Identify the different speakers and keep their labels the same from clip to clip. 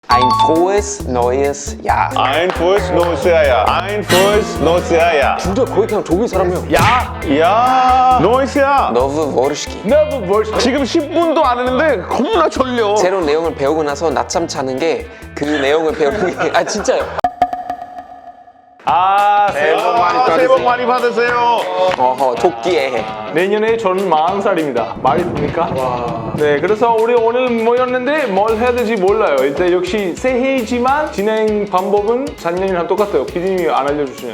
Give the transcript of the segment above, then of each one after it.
Speaker 1: Ein frohes neues Jahr.
Speaker 2: Ein frohes neues Jahr. Ein frohes neues Jahr.
Speaker 1: 진짜 거의 그냥 독일 사람이야.
Speaker 2: 야, neues Jahr.
Speaker 1: Nowy Vorski.
Speaker 2: 지금 10분도 안 했는데 겁나 졸려.
Speaker 1: 새로운 내용을 배우고 나서 낮잠 자는 게 그 내용을 배우는 게 진짜요.
Speaker 2: 새해 복 많이 받으세요.
Speaker 1: 어허 토끼의 해.
Speaker 3: 내년에 저는 40살입니다. 말이 됩니까? 네, 그래서 우리 오늘 모였는데 뭘 해야 될지 몰라요. 일단 역시 새해이지만 진행 방법은 작년이랑 똑같아요. PD님이 안 알려주시네요.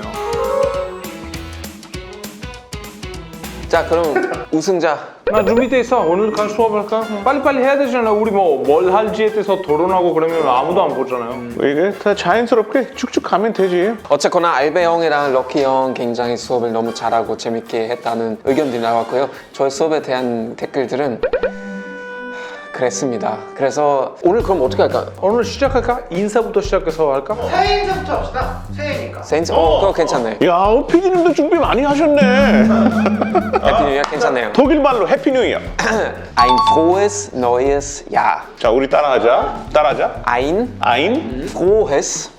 Speaker 1: 자 그럼 우승자.
Speaker 3: 나 준비돼 있어. 오늘 간 수업할까? 빨리빨리 해야 되잖아. 우리 뭘 할지에 대해서 토론하고 그러면 아무도 안 보잖아요.
Speaker 2: 이게 다 자연스럽게 쭉쭉 가면 되지.
Speaker 1: 어쨌거나 알베 형이랑 럭키 형 굉장히 수업을 너무 잘하고 재밌게 했다는 의견들이 나왔고요. 저희 수업에 대한 댓글들은 그랬습니다. 그래서 오늘 그럼 어떻게 할까?
Speaker 3: 오늘 시작할까? 인사부터 시작해서 할까?
Speaker 4: 새해 인사부터 합시다. 새해니까.
Speaker 1: 센스? 그거 괜찮네요.
Speaker 2: 야, 피디님도 준비 많이 하셨네.
Speaker 1: 해피 뉴 이어 괜찮네요.
Speaker 2: 독일 말로 해피 뉴 이어.
Speaker 1: Ein frohes neues Jahr.
Speaker 2: 자, 우리 따라하자.
Speaker 1: Ein
Speaker 2: Ein
Speaker 1: frohes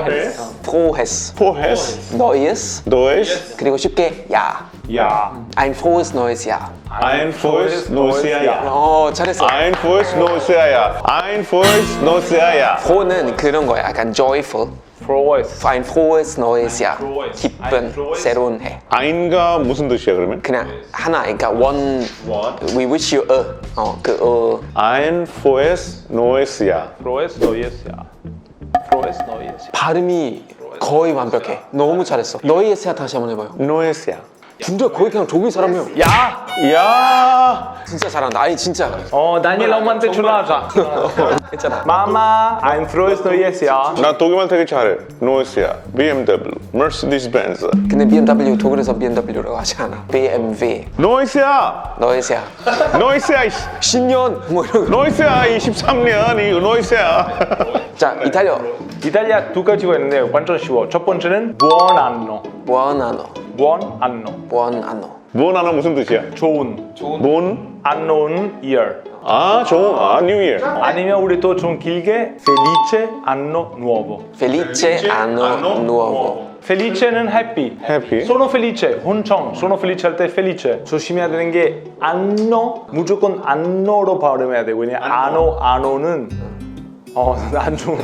Speaker 2: frohes
Speaker 1: neues
Speaker 2: neues
Speaker 1: 그리고 쉽게 Jahr. Ein frohes neues Jahr.
Speaker 2: Ein frohes neues Jahr.
Speaker 1: 잘했어.
Speaker 2: Ein frohes neues Jahr. Ein frohes neues Jahr.
Speaker 1: froh는 그런 거야. 약간 joyful. Ein frohes neues Jahr. 기쁜 새로운 해.
Speaker 2: Ein가 무슨 뜻이야 그러면?
Speaker 1: 그냥 하나. 그러니까 one. We wish you
Speaker 2: Ein frohes neues Jahr.
Speaker 3: 프로에스 너이에스야. 프로에스 너이에스야.
Speaker 1: 발음이 거의 완벽해. 너무 잘했어. 너희의 세야 다시 한번 해봐요.
Speaker 2: Neues Jahr.
Speaker 1: 진짜 거의 그냥 독일 사람이야.
Speaker 2: 야,
Speaker 1: 진짜 잘한다. 아니 진짜.
Speaker 3: 다니엘 엄마한테 전화하자.
Speaker 1: 괜찮아.
Speaker 3: 마마, I'm 프로에스 너이에스야.
Speaker 2: 나 독일말 되게 잘해. Neues Jahr. BMW, Mercedes-Benz.
Speaker 1: 근데 BMW 독일에서 BMW라고 하지 않아. BMW.
Speaker 2: Neues Jahr.
Speaker 1: 너의 세야.
Speaker 2: Neues Jahr.
Speaker 1: 신년 뭐 이런 거.
Speaker 2: Neues Jahr 23년 이 Neues Jahr.
Speaker 1: 자 이탈리아.
Speaker 3: 이탈리아 두 가지가 있는데 완전 쉬워. 첫 번째는 buon anno.
Speaker 1: buon anno.
Speaker 3: buon anno.
Speaker 1: buon anno.
Speaker 2: 뭔 하나 무슨 뜻이야?
Speaker 3: 좋은.
Speaker 2: 뭔?
Speaker 3: anno는 year.
Speaker 2: 좋은. New Year.
Speaker 3: 아니면 우리 또 좀 길게 felice anno nuovo.
Speaker 1: felice anno nuovo.
Speaker 3: felice는 happy.
Speaker 2: Happy.
Speaker 3: sono felice. 혼청. sono felice 할 때 felice. 조심해야 되는 게 anno 무조건 anno로 발음해야 돼. 왜냐 anno는 안 좋은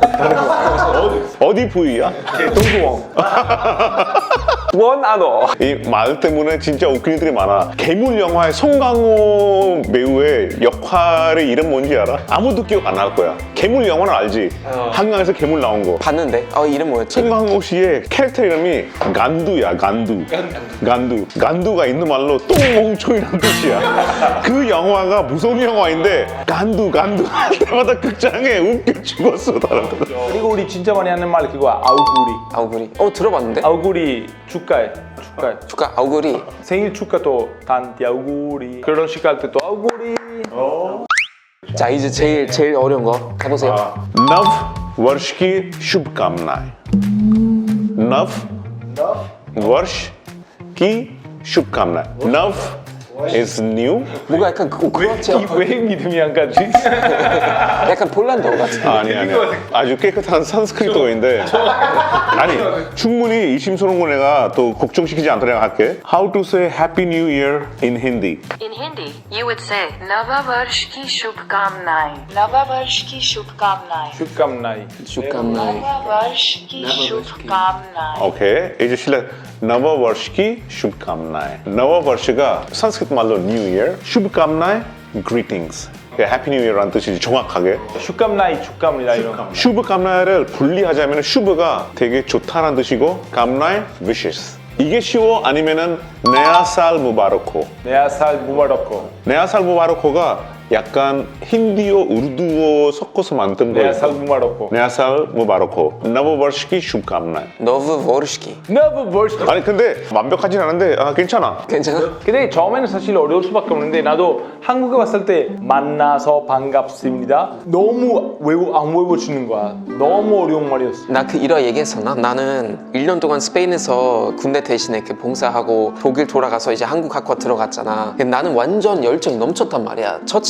Speaker 2: 어디 부위야?
Speaker 3: 동구멍.
Speaker 1: buon anno.
Speaker 2: 이 말 때문에 진짜 웃긴 일들이 많아. 괴물 영화의 송강호 배우의 역할의 이름 뭔지 알아? 아무도 기억 안 날 거야. 괴물 영화는 알지? 한강에서 괴물 나온 거.
Speaker 1: 봤는데 이름 뭐였지?
Speaker 2: 송강호 씨의 캐릭터 이름이 간두야, 간두. 간두가 있는 말로 똥멍청이라는 뜻이야. 그 영화가 무서운 영화인데 간두 할 때마다 극장에 웃겨 죽었어, 사람들.
Speaker 3: 그리고 우리 진짜 많이 하는 말 그거야. 아우구리.
Speaker 1: 아우구리. 들어봤는데?
Speaker 3: 아우구리 축가해.
Speaker 1: 축하 아우구리.
Speaker 3: 생일 축가도 단티 아우구리. 결혼식 할 때 또 아우구리.
Speaker 1: 자 이제 제일 어려운 거 가보세요.
Speaker 2: Nov Vorshki Shubkamnai. Nov Vorshki Shubkamnai. Nov is new.
Speaker 1: 뭔가 약간 그렇죠.
Speaker 3: 왜 믿음이 안 가지?
Speaker 1: 약간 폴란드 같은.
Speaker 2: 아니. 아주 깨끗한 산스크리트어인데. 아니, 충분히 이심선홍고 내가 또 걱정시키지 않도록 내가 할게. How to say Happy New Year in Hindi?
Speaker 5: In Hindi, you would say Nava Varsh ki Shubhkamnaएं. Nava Varsh ki Shubhkamnaएं.
Speaker 3: 축감나이.
Speaker 1: 축감나이.
Speaker 5: Nava Varsh ki Shubhkamnaएं.
Speaker 2: 오케이. 이제 실례. Nava Varshki Shubkamnai. Nava Varsh가 산스크리트 말로 New Year. Shubkamnai, greetings. Happy New Year라는 뜻이지 정확하게.
Speaker 3: 축감나이, 축감이다 이런 거.
Speaker 2: 슈브감나이를 분리하자면 슈브가 되게 좋다는 뜻이고 감나이 wishes. 이게 쉬워? 아니면은 네아살 무바르코.
Speaker 3: 네아살 무바라코.
Speaker 2: 네아살 무바르코가 약간 힌디어, 우르두어 섞어서 만든 거예요.
Speaker 3: 네아살 무바라코.
Speaker 2: 네아살 무바르코. 너브버시키 슈브감나이.
Speaker 1: 너브 보르시키.
Speaker 3: Nava Varsh.
Speaker 2: 아니 근데 완벽하진 않은데 괜찮아.
Speaker 1: 괜찮아?
Speaker 3: 근데 처음에는 사실 어려울 수밖에 없는데 나도 한국에 왔을 때 만나서 반갑습니다. 너무 안 외워지는 거야. 너무 어려운 말이었어.
Speaker 1: 나 그 일화 얘기했었나? 나는 1년 동안 스페인에서 군대 대신에 이렇게 봉사하고 독일 돌아가서 이제 한국 학과 들어갔잖아. 근데 나는 완전 열정이 넘쳤단 말이야. 첫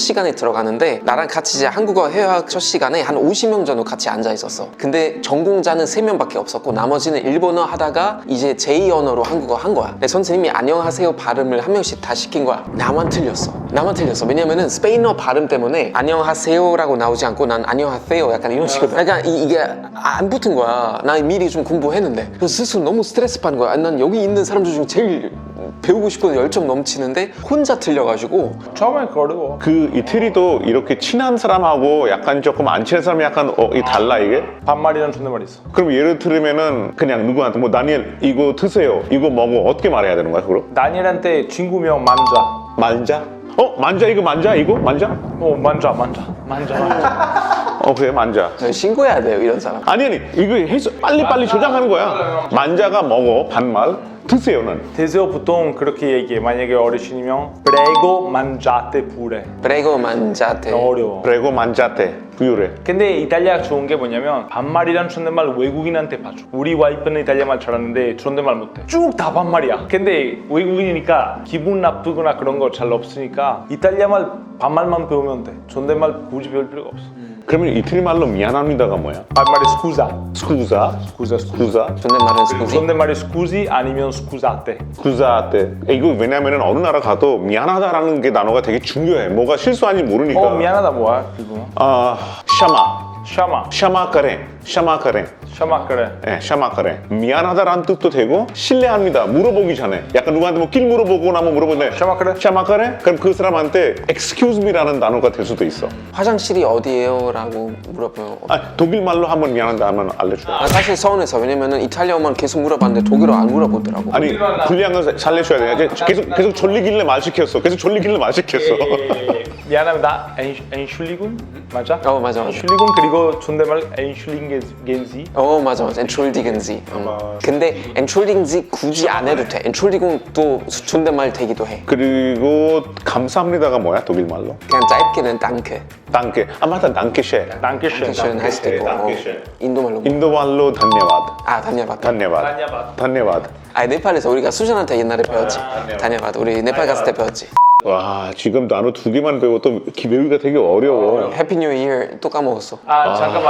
Speaker 1: 시간에 들어가는데 나랑 같이 이제 한국어 회화 첫 시간에 한 50명 정도 같이 앉아 있었어. 근데 전공자는 3명밖에 없었고 나머지는 일본어 하다가 이제 제2 언어로 한국어 한 거야. 근데 선생님이 안녕하세요 발음을 한 명씩 다 시킨 거야. 나만 틀렸어. 왜냐면은 스페인어 발음 때문에 안녕하세요라고 나오지 않고 난 안녕하세요 약간 이런 식으로. 그러니까 이게 안 붙은 거야. 나 미리 좀 공부했는데. 그래서 스스로 너무 스트레스 받는 거야. 난 여기 있는 사람들 중에 제일 배우고 싶고 열정 넘치는데 혼자 틀려가지고.
Speaker 3: 처음엔 어려워.
Speaker 2: 그 이태리도 이렇게 친한 사람하고 약간 조금 안 친한 사람이 약간 이 달라 이게?
Speaker 3: 반말이랑 존댓말 있어.
Speaker 2: 그럼 예를 들면은 그냥 누구한테 뭐 다니엘 이거 드세요 이거 먹어 어떻게 말해야 되는 거야 그럼?
Speaker 3: 다니엘한테 친구명 만자.
Speaker 2: 만자? 만자 이거 만자 이거? 만자?
Speaker 3: 만자.
Speaker 2: 그래 만자.
Speaker 1: 신고해야 돼요 이런 사람.
Speaker 2: 아니 이거 해서 빨리 조장하는 거야. 만자가 먹어 반말 드세요는
Speaker 3: 대세어 보통 그렇게 얘기해. 만약에 어르신이면 prego mangiate pure.
Speaker 1: 브레고 만자테.
Speaker 3: 어려워.
Speaker 2: 프레고 만자테 부유래.
Speaker 3: 근데 이탈리아가 좋은 게 뭐냐면 반말이랑 존댓말 외국인한테 봐줘. 우리 와이프는 이탈리아말 잘하는데 존댓말 못해. 쭉 다 반말이야. 근데 외국인이니까 기분 나쁘거나 그런 거 잘 없으니까 이탈리아말 반말만 배우면 돼. 존댓말 굳이 배울 필요가 없어.
Speaker 2: 그러면 이태리 말로 미안합니다가 뭐야?
Speaker 3: 반말이 scusa.
Speaker 2: 스쿠자?
Speaker 3: scusa.
Speaker 1: 존댓말은 스쿠지.
Speaker 3: 존댓말이 scusi 아니면 scusate.
Speaker 2: 구자테. 이거 왜냐면은 어느 나라 가도 미안하다라는 게 단어가 되게 중요해. 뭐가 실수한지 모르니까.
Speaker 3: 미안하다 뭐야 그거?
Speaker 2: 샤마카레.
Speaker 3: 샤마크래.
Speaker 2: 네, 샤마카레. 미안하다라는 뜻도 되고 신뢰합니다. 물어보기 전에 약간 누구한테 뭐 길 물어보거나 뭐 물어보는데 샤마카레? 그럼 그 사람한테 excuse me라는 단어가 될 수도 있어.
Speaker 1: 화장실이 어디예요? 라고 물어보면
Speaker 2: 독일 말로 한번 미안하다 하면 알려줘.
Speaker 1: 사실 서운해서. 왜냐면은 이탈리아어만 계속 물어봤는데 독일어 안 물어보더라고.
Speaker 2: 아니 불리한 건 살려줘야 돼. 계속 졸리길래 말 시켰어.
Speaker 3: 미안합니다. 엔슐리군 맞아?
Speaker 1: 맞아.
Speaker 3: 엔슐리군 그리고 존댓말 엔슐링겐지.
Speaker 1: 맞아. Entschuldigen Sie. 근데 Entschuldigen Sie 굳이 안 해도 돼. Entschuldigung도 존댓말 되기도 해.
Speaker 2: 그리고 감사합니다가 뭐야 독일 말로?
Speaker 1: 그냥 짧게는 Danke.
Speaker 2: 단케. 맞다 단케쉐.
Speaker 3: dankeschön.
Speaker 1: 할 수도 있고. 인도 말로.
Speaker 2: 인도 말로 단냐바드.
Speaker 1: 단냐바드. 네팔에서 우리가 수잔한테 옛날에 배웠지. 단냐바드. 우리 네팔 갔을 때 배웠지.
Speaker 2: 와 지금 단어 2개만 배워도 외우기가 되게 어려워.
Speaker 1: 해피 뉴 이어 또 까먹었어.
Speaker 3: 잠깐만.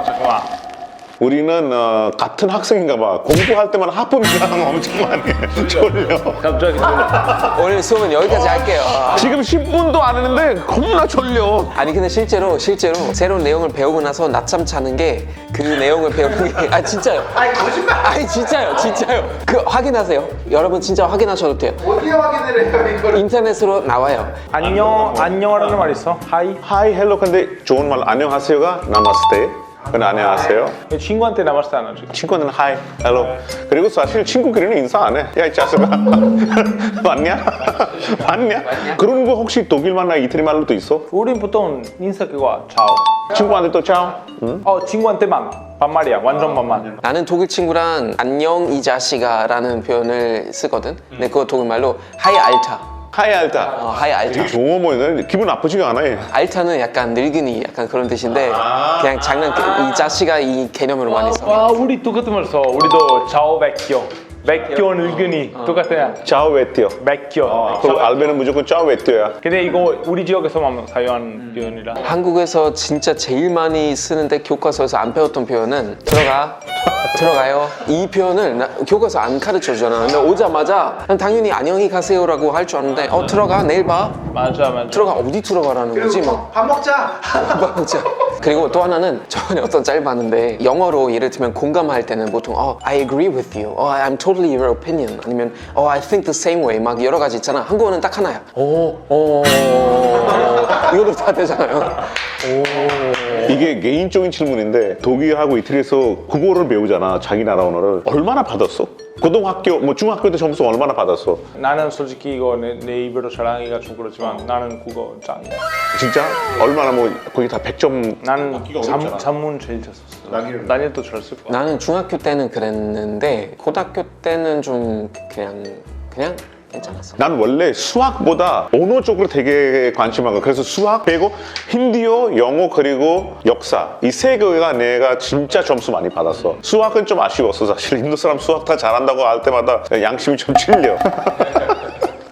Speaker 2: 우리는 같은 학생인가 봐. 공부할 때만 하품이랑 엄청 많이 해. 졸려.
Speaker 3: 갑자기
Speaker 1: 오늘 수업은 여기까지 할게요.
Speaker 2: 지금 10분도 안 했는데 겁나 졸려.
Speaker 1: 아니 근데 실제로 새로운 내용을 배우고 나서 낮잠 자는 게 그 내용을 배우는 게 진짜요.
Speaker 4: 거짓말.
Speaker 1: 진짜요. 그 확인하세요. 여러분 진짜 확인하셔도 돼요.
Speaker 4: 어디에 확인을 해요 이거를?
Speaker 1: 인터넷으로 나와요.
Speaker 3: 안녕하라는 말 있어. 하이.
Speaker 2: 하이 헬로 근데 좋은 말 안녕하세요가 나마스테. 근데 안녕하세요.
Speaker 3: 친구한테 남았을 안 하지.
Speaker 2: 친구는 하이 헬로. 그리고 사실 친구끼리는 인사 안 해. 야 이 자식아. 맞냐? 그런 거 혹시 독일 말이나 이태리 말로도 있어?
Speaker 3: 우린 보통 인사 그거 차오.
Speaker 2: 친구한테 또 차오?
Speaker 3: 친구한테만 반말이야. 완전 반말.
Speaker 1: 나는 독일 친구랑 안녕 이 자식아라는 표현을 쓰거든. 근데 그거 독일 말로 하이 알타.
Speaker 2: 하이 알타.
Speaker 1: 하이 알타.
Speaker 2: 되게 좋아 보이네. 기분 나쁘지가 않아. 얘.
Speaker 1: 알타는 약간 늙은이 약간 그런 뜻인데 그냥 이 자식아 이 개념으로 많이 써.
Speaker 3: 와 우리 똑같은 말 써. 우리도 차오 백교 늙은이 똑같아요.
Speaker 2: 짜오 웨띠어.
Speaker 3: 백교.
Speaker 2: 그리고 알베는 무조건 짜오 웨띠어야.
Speaker 3: 근데 이거 우리 지역에서만 사용하는 표현이라.
Speaker 1: 한국에서 진짜 제일 많이 쓰는데 교과서에서 안 배웠던 표현은 들어가요. 이 표현을 교과서 안 가르쳐 주잖아. 근데 오자마자 난 당연히 안녕히 가세요라고 할 줄 아는데 들어가 내일 봐.
Speaker 3: 맞아.
Speaker 1: 들어가 어디 들어가라는 거지 뭐.
Speaker 4: 밥 먹자.
Speaker 1: 맞아. 그리고 또 하나는 저번에 어떤 짤 봤는데 영어로 예를 들면 공감할 때는 보통 I agree with you, I'm totally your opinion 아니면 I think the same way 막 여러 가지 있잖아. 한국어는 딱 하나야. 이것도 다 되잖아요.
Speaker 2: 이게 개인적인 질문인데 독일하고 이태리에서 국어를 배우잖아. 자기 나라 언어를. 얼마나 받았어? 고등학교, 뭐 중학교 때 점수 얼마나 받았어?
Speaker 3: 나는 솔직히 이거 내 입으로 자랑하기가 좀 그렇지만 나는 국어 짱이야.
Speaker 2: 진짜? 얼마나 뭐 거기 다 100점.
Speaker 3: 나는 잠문 제일 잘 썼어. 다니엘도 잘 쓸 거야.
Speaker 1: 나는 중학교 때는 그랬는데 고등학교 때는 좀 그냥 괜찮았어.
Speaker 2: 난 원래 수학보다 언어 쪽으로 되게 관심하고 그래서 수학 빼고 힌디어, 영어 그리고 역사 이 세 개가 내가 진짜 점수 많이 받았어. 수학은 좀 아쉬웠어. 사실 인도 사람 수학 다 잘한다고 할 때마다 양심이 좀 찔려.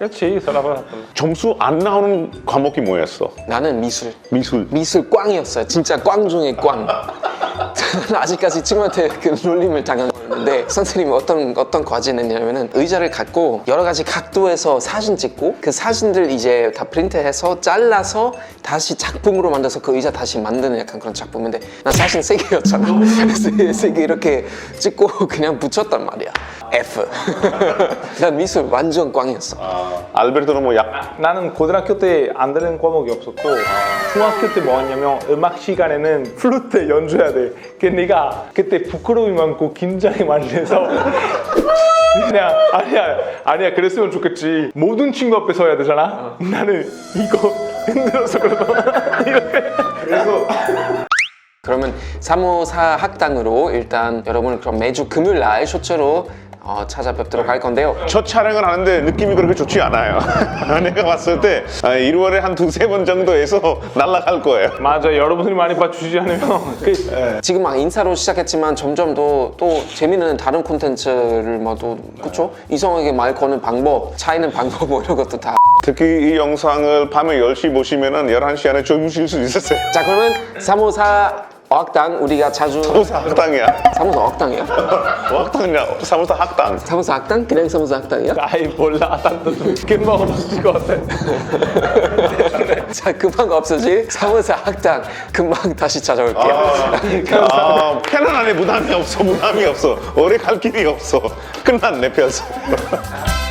Speaker 3: 그렇지 서랍을
Speaker 2: 점수 안 나오는 과목이 뭐였어?
Speaker 1: 나는 미술.
Speaker 2: 미술.
Speaker 1: 미술 꽝이었어요. 진짜 꽝 중에 꽝. 저는 아직까지 친구한테 그 놀림을 당한 거였는데 선생님이 어떤 과제를 냈냐면은 의자를 갖고 여러 가지 각도에서 사진 찍고 그 사진들 이제 다 프린트해서 잘라서 다시 작품으로 만들어서 그 의자 다시 만드는 약간 그런 작품인데 난 사진 3개였잖아. 세 개 이렇게 찍고 그냥 붙였단 말이야. F. 난 미술 완전 꽝이었어.
Speaker 2: 알베르토는 뭐
Speaker 3: 나는 고등학교 때 안 되는 과목이 없었고 중학교 때 뭐였냐면 음악 시간에는 플루트 연주해야 돼. 근데 내가 그때 부끄러움이 많고 긴장이 많이 돼서 그냥 아니야 그랬으면 좋겠지. 모든 친구 앞에서 해야 되잖아. 나는 이거 힘들어서 이렇게 그래서
Speaker 1: 그러면 354 학당으로 일단 여러분 그럼 매주 금요일 날 쇼츠로 찾아뵙도록 할 건데요.
Speaker 2: 첫 촬영을 하는데 느낌이 그렇게 좋지 않아요. 내가 봤을 때 1월에 한 두세 번 정도에서 날아갈 거예요.
Speaker 3: 맞아 여러분들이 많이 봐주시지 않으면
Speaker 1: 지금 막 인사로 시작했지만 점점 또 재미있는 다른 콘텐츠를 또 그쵸? 이성에게 말 거는 방법, 차이는 방법 뭐 이런 것도 다.
Speaker 2: 특히 이 영상을 밤에 10시 보시면은 11시 안에 주무실 수 있었어요.
Speaker 1: 자 그러면 354 어학당 우리가 자주
Speaker 2: 354 학당이야.
Speaker 1: 354 어학당이야?
Speaker 2: 학당이야. 354 학당.
Speaker 1: 354 학당? 그냥 354 학당이야?
Speaker 3: 아이 몰라 나도 금방 없어질 것 같아.
Speaker 1: 자 금방 없어질 354 학당 금방 다시 찾아올게요.
Speaker 2: 편안하네. 부담이 없어. 오래 갈 길이 없어. 끝났네, 펴서.